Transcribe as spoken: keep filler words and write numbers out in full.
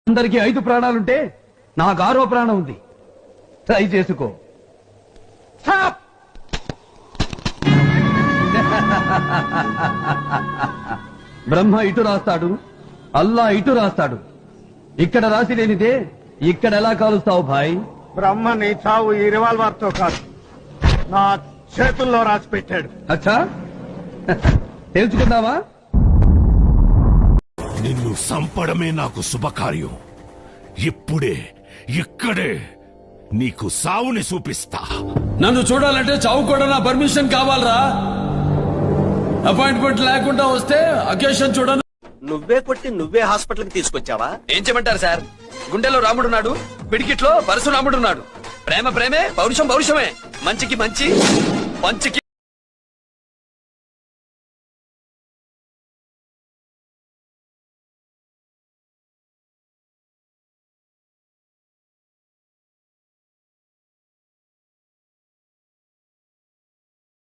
అందరికి ఐదు ప్రాణాలుంటే నాకు ఆరో ప్రాణం ఉంది. ట్రై చేసుకో. బ్రహ్మ ఇటు రాస్తాడు, అల్లా ఇటు రాస్తాడు. ఇక్కడ రాసి లేనిదే ఇక్కడ ఎలా కాలుస్తావు భాయ్? బ్రహ్మ నీ చావు ఈ రివాల్వర్ తో కాదు, నా చేతుల్లో రాసి పెట్టాడు. అచ్చా, తెలుసుకుందావా? నిన్ను సంపడమే నాకు శుభకార్యం. ఇప్పుడే ఇక్కడే నీకు సావుని చూపిస్తా. నన్ను చూడాలంటే చావు కూడా నా పర్మిషన్ కావాలరా. అపాయింట్మెంట్ లేకుండా వస్తే అకేషన్ చూడను. నువ్వే కొట్టి నువ్వే హాస్పిటల్ కి తీసుకొచ్చావా? ఏం చేయమంటారు సార్? గుండెలో రాముడున్నాడు, పిడికిట్లో పరశురాముడున్నాడు. ప్రేమ ప్రేమే, పౌరుషం పౌరుషమే. మంచికి మంచి, పంచికి